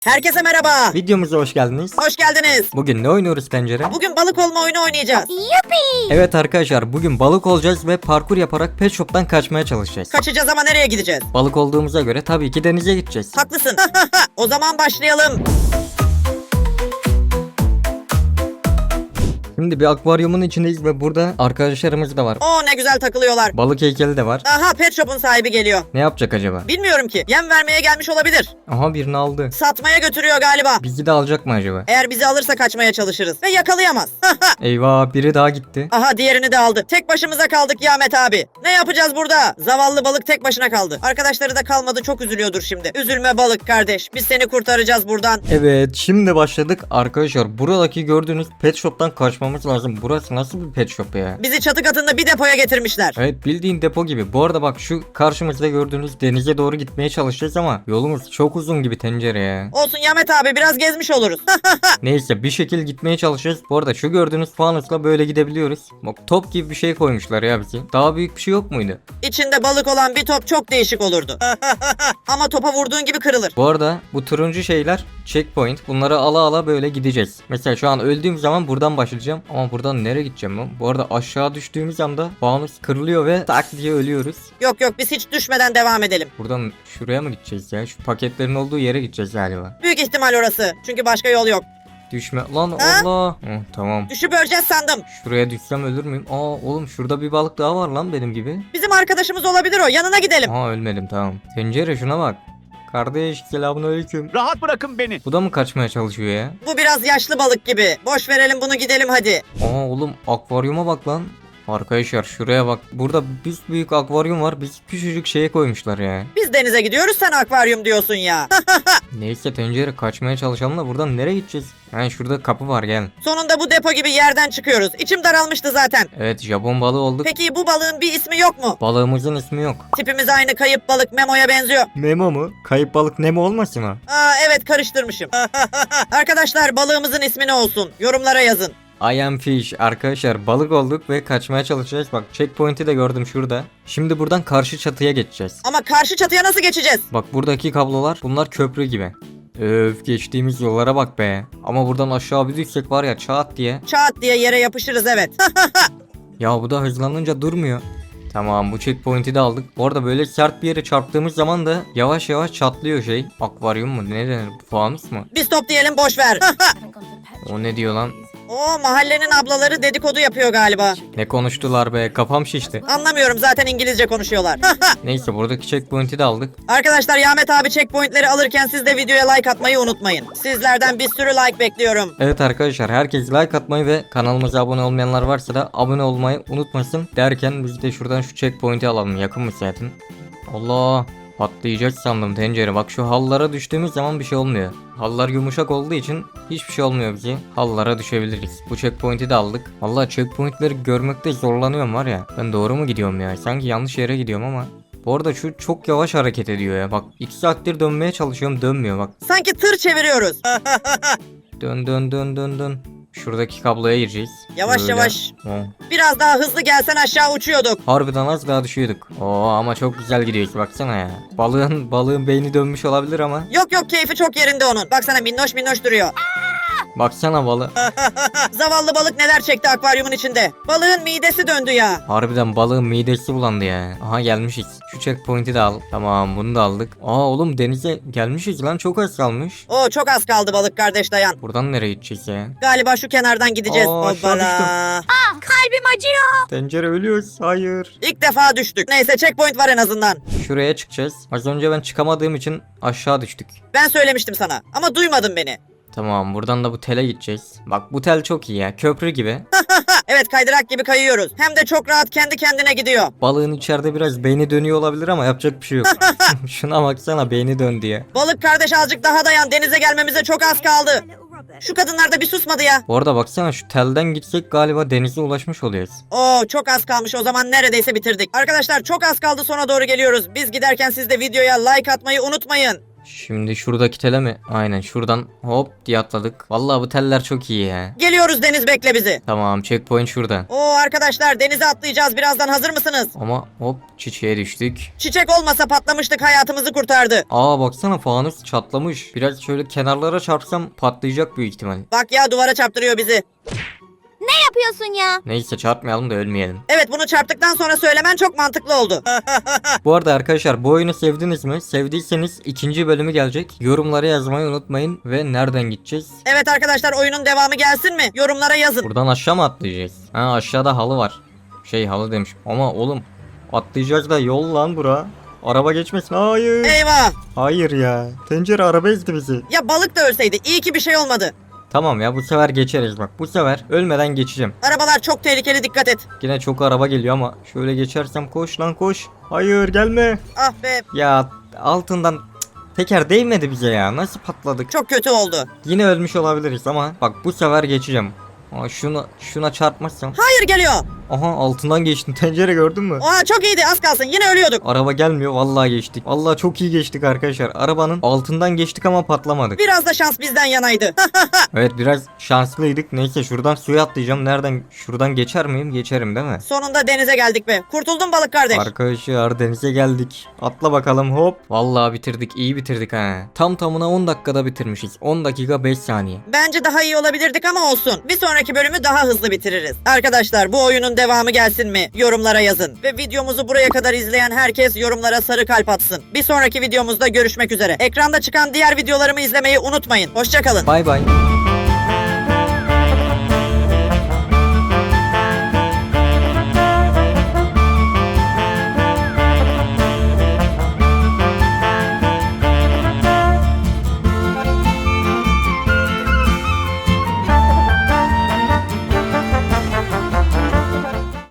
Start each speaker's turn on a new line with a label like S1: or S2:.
S1: Herkese merhaba.
S2: Videomuza hoş geldiniz.
S1: Hoş geldiniz.
S2: Bugün ne oynuyoruz Tencere?
S1: Bugün balık olma oyunu oynayacağız.
S2: Evet arkadaşlar, bugün balık olacağız ve parkur yaparak pet shop'tan kaçmaya çalışacağız.
S1: Kaçacağız ama nereye gideceğiz?
S2: Balık olduğumuza göre tabii ki denize gideceğiz.
S1: Haklısın. O zaman başlayalım.
S2: Şimdi bir akvaryumun içindeyiz ve burada arkadaşlarımız da var.
S1: Oo, ne güzel takılıyorlar.
S2: Balık heykeli de var.
S1: Aha, pet shop'un sahibi geliyor.
S2: Ne yapacak acaba?
S1: Bilmiyorum ki. Yem vermeye gelmiş olabilir.
S2: Aha, birini aldı.
S1: Satmaya götürüyor galiba.
S2: Bizi de alacak mı acaba?
S1: Eğer bizi alırsa kaçmaya çalışırız. Ve yakalayamaz.
S2: Eyvah, biri daha gitti.
S1: Aha, diğerini de aldı. Tek başımıza kaldık ya Ahmet abi. Ne yapacağız burada? Zavallı balık tek başına kaldı. Arkadaşları da kalmadı, çok üzülüyordur şimdi. Üzülme balık kardeş. Biz seni kurtaracağız buradan.
S2: Evet, şimdi başladık. Arkadaşlar, buradaki gördüğünüz pet shop'tan kaçmamız lazım. Burası nasıl bir pet shop ya?
S1: Bizi çatı katında bir depoya getirmişler.
S2: Evet, bildiğin depo gibi. Bu arada bak, şu karşımızda gördüğünüz denize doğru gitmeye çalışacağız ama yolumuz çok uzun gibi Tencere ya.
S1: Olsun Yamet abi, biraz gezmiş oluruz.
S2: Neyse, bir şekil gitmeye çalışacağız. Bu arada şu gördüğünüz fanusla böyle gidebiliyoruz. Bak, top gibi bir şey koymuşlar ya bizi. Daha büyük bir şey yok muydu?
S1: İçinde balık olan bir top çok değişik olurdu. Ama topa vurduğun gibi kırılır.
S2: Bu arada bu turuncu şeyler checkpoint. Bunları ala ala böyle gideceğiz. Mesela şu an öldüğüm zaman buradan başlayacağım. Ama buradan nereye gideceğim ben? Bu arada aşağı düştüğümüz anda fanus kırılıyor ve tak diye ölüyoruz.
S1: Yok yok, biz hiç düşmeden devam edelim.
S2: Buradan şuraya mı gideceğiz ya? Şu paketlerin olduğu yere gideceğiz galiba.
S1: Büyük ihtimal orası. Çünkü başka yol yok.
S2: Düşme lan,
S1: Ha?
S2: Allah. Tamam.
S1: Düşüp öleceğiz sandım.
S2: Şuraya düşsem ölür müyüm? Oğlum, şurada bir balık daha var lan benim gibi.
S1: Bizim arkadaşımız olabilir o. Yanına gidelim.
S2: Ölmedim, tamam. Tencere, şuna bak. Kardeş, selamünaleyküm.
S3: Rahat bırakın beni.
S2: Bu da mı kaçmaya çalışıyor ya?
S1: Bu biraz yaşlı balık gibi. Boş verelim bunu, gidelim hadi.
S2: Oğlum, akvaryuma bak lan. Arkadaşlar, şuraya bak. Burada bir büyük akvaryum var. Biz küçücük şeye koymuşlar ya.
S1: Biz denize gidiyoruz, sen akvaryum diyorsun ya.
S2: Neyse Tencere, kaçmaya çalışalım da buradan nereye gideceğiz? Şurada kapı var, gel.
S1: Sonunda bu depo gibi yerden çıkıyoruz. İçim daralmıştı zaten.
S2: Evet, Japon balığı olduk.
S1: Peki bu balığın bir ismi yok mu?
S2: Balığımızın ismi yok.
S1: Tipimiz aynı, kayıp balık Memo'ya benziyor.
S2: Nemo mu? Kayıp balık Nemo olmasın o?
S1: Evet, karıştırmışım. Arkadaşlar, balığımızın ismi ne olsun? Yorumlara yazın.
S2: I am fish. Arkadaşlar, balık olduk ve kaçmaya çalışacağız. Bak, checkpoint'i de gördüm şurada. Şimdi buradan karşı çatıya geçeceğiz.
S1: Ama karşı çatıya nasıl geçeceğiz?
S2: Bak, buradaki kablolar, bunlar köprü gibi. Öf, geçtiğimiz yollara bak be. Ama buradan aşağı bir düşsek var ya, çat diye.
S1: Çat diye yere yapışırız, evet.
S2: Ya bu da hızlanınca durmuyor. Tamam, bu checkpoint'i de aldık. Bu arada böyle sert bir yere çarptığımız zaman da yavaş yavaş çatlıyor şey. Akvaryum mu? Ne denir? Fanus mu?
S1: Biz top diyelim, boş ver.
S2: O ne diyor lan?
S1: O mahallenin ablaları dedikodu yapıyor galiba.
S2: Ne konuştular be? Kafam şişti.
S1: Anlamıyorum, zaten İngilizce konuşuyorlar.
S2: Neyse, buradaki checkpoint'i de aldık.
S1: Arkadaşlar, Yamet abi checkpointleri alırken siz de videoya like atmayı unutmayın. Sizlerden bir sürü like bekliyorum.
S2: Evet arkadaşlar, herkes like atmayı ve kanalımıza abone olmayanlar varsa da abone olmayı unutmasın derken biz de şuradan şu checkpoint'i alalım. Yakın mı zaten? Allah, patlayacak sandım Tencere. Bak, şu hallara düştüğümüz zaman bir şey olmuyor. Hallar yumuşak olduğu için hiçbir şey olmuyor bize. Hallara düşebiliriz. Bu checkpoint'i de aldık. Vallahi checkpoint'leri görmekte zorlanıyorum var ya. Ben doğru mu gidiyorum ya? Sanki yanlış yere gidiyorum ama. Bu arada şu çok yavaş hareket ediyor ya. Bak, 2 saattir dönmeye çalışıyorum, dönmüyor bak.
S1: Sanki tır çeviriyoruz.
S2: Dön dön dön dön dön. Şuradaki kabloya gireceğiz.
S1: Yavaş yavaş.
S2: Oh.
S1: Biraz daha hızlı gelsen aşağı uçuyorduk.
S2: Harbiden az daha düşüyorduk. Ama çok güzel gidiyoruz, baksana ya. Balığın beyni dönmüş olabilir ama.
S1: Yok yok, keyfi çok yerinde onun. Baksana, minnoş minnoş duruyor.
S2: Baksana balı.
S1: Zavallı balık neler çekti akvaryumun içinde. Balığın midesi döndü ya.
S2: Harbiden balığın midesi bulandı ya. Aha, gelmişiz. Şu checkpoint'i de al. Tamam, bunu da aldık. Oğlum, denize gelmişiz lan, çok az kalmış.
S1: Oo, çok az kaldı balık kardeş, dayan.
S2: Buradan nereye gideceğiz ya?
S1: Galiba şu kenardan gideceğiz.
S2: Aşağı
S1: Hoppala.
S4: Kalbim acıyor.
S2: Tencere, ölüyoruz. Hayır.
S1: İlk defa düştük. Neyse, checkpoint var en azından.
S2: Şuraya çıkacağız. Az önce ben çıkamadığım için aşağı düştük.
S1: Ben söylemiştim sana ama duymadın beni.
S2: Tamam, buradan da bu tele gideceğiz. Bak, bu tel çok iyi ya, köprü gibi.
S1: Evet, kaydırak gibi kayıyoruz. Hem de çok rahat kendi kendine gidiyor.
S2: Balığın içeride biraz beyni dönüyor olabilir ama yapacak bir şey yok. Şuna baksana, beyni döndü ya.
S1: Balık kardeş, azıcık daha dayan. Denize gelmemize çok az kaldı. Şu kadınlar da bir susmadı ya.
S2: Bu arada baksana, şu telden gitsek galiba denize ulaşmış oluyoruz.
S1: Oo, çok az kalmış, o zaman neredeyse bitirdik. Arkadaşlar, çok az kaldı, sona doğru geliyoruz. Biz giderken siz de videoya like atmayı unutmayın.
S2: Şimdi şuradaki tele mi? Aynen şuradan hop diye atladık. Vallahi bu teller çok iyi ya.
S1: Geliyoruz Deniz, bekle bizi.
S2: Tamam, checkpoint şurada.
S1: Oo arkadaşlar, denize atlayacağız birazdan, hazır mısınız?
S2: Ama hop çiçeğe düştük.
S1: Çiçek olmasa patlamıştık, hayatımızı kurtardı.
S2: Aa baksana, fanus çatlamış. Biraz şöyle kenarlara çarpsam patlayacak büyük ihtimal.
S1: Bak ya, duvara çarptırıyor bizi.
S3: Ne yapıyorsun ya?
S2: Neyse çarpmayalım da ölmeyelim.
S1: Evet, bunu çarptıktan sonra söylemen çok mantıklı oldu.
S2: Bu arada arkadaşlar, bu oyunu sevdiniz mi? Sevdiyseniz ikinci bölümü gelecek. Yorumlara yazmayı unutmayın ve nereden gideceğiz?
S1: Evet arkadaşlar, oyunun devamı gelsin mi? Yorumlara yazın.
S2: Buradan aşağı mı atlayacağız? Ha, aşağıda halı var. Halı demişim. Ama oğlum atlayacağız da yol lan bura. Araba geçmesin. Hayır.
S1: Eyvah.
S2: Hayır ya. Tencere araba ezdi bizi.
S1: Ya balık da ölseydi, iyi ki bir şey olmadı.
S2: Tamam ya, bu sefer geçeriz bak. Bu sefer ölmeden geçeceğim.
S1: Arabalar çok tehlikeli, dikkat et.
S2: Yine çok araba geliyor ama şöyle geçersem, koş lan koş. Hayır gelme.
S1: Ah be,
S2: Ya altından teker değmedi bize ya. Nasıl patladık?
S1: çok kötü oldu.
S2: Yine ölmüş olabiliriz ama bak bu sefer geçeceğim. Aa, şuna çarpmazsam.
S1: Hayır, geliyor.
S2: Aha, altından geçtim. Tencere gördün mü?
S1: Oha, çok iyiydi, az kalsın yine ölüyorduk.
S2: Araba gelmiyor, vallahi geçtik. Vallahi çok iyi geçtik arkadaşlar. Arabanın altından geçtik ama patlamadık.
S1: Biraz da şans bizden yanaydı.
S2: Evet, biraz şanslıydık. Neyse şuradan suya atlayacağım. Nereden? Şuradan geçer miyim? Geçerim değil mi?
S1: Sonunda denize geldik be. Kurtuldun balık kardeş.
S2: Arkadaşlar denize geldik. Atla bakalım, hop. Vallahi bitirdik. İyi bitirdik ha. Tam tamına 10 dakikada bitirmişiz. 10 dakika 5 saniye.
S1: Bence daha iyi olabilirdik ama olsun. Bir sonraki bölümü daha hızlı bitiririz. Arkadaşlar, bu oyunun devamı gelsin mi? Yorumlara yazın. Ve videomuzu buraya kadar izleyen herkes yorumlara sarı kalp atsın. Bir sonraki videomuzda görüşmek üzere. Ekranda çıkan diğer videolarımı izlemeyi unutmayın. Hoşça kalın.
S2: Bay bay.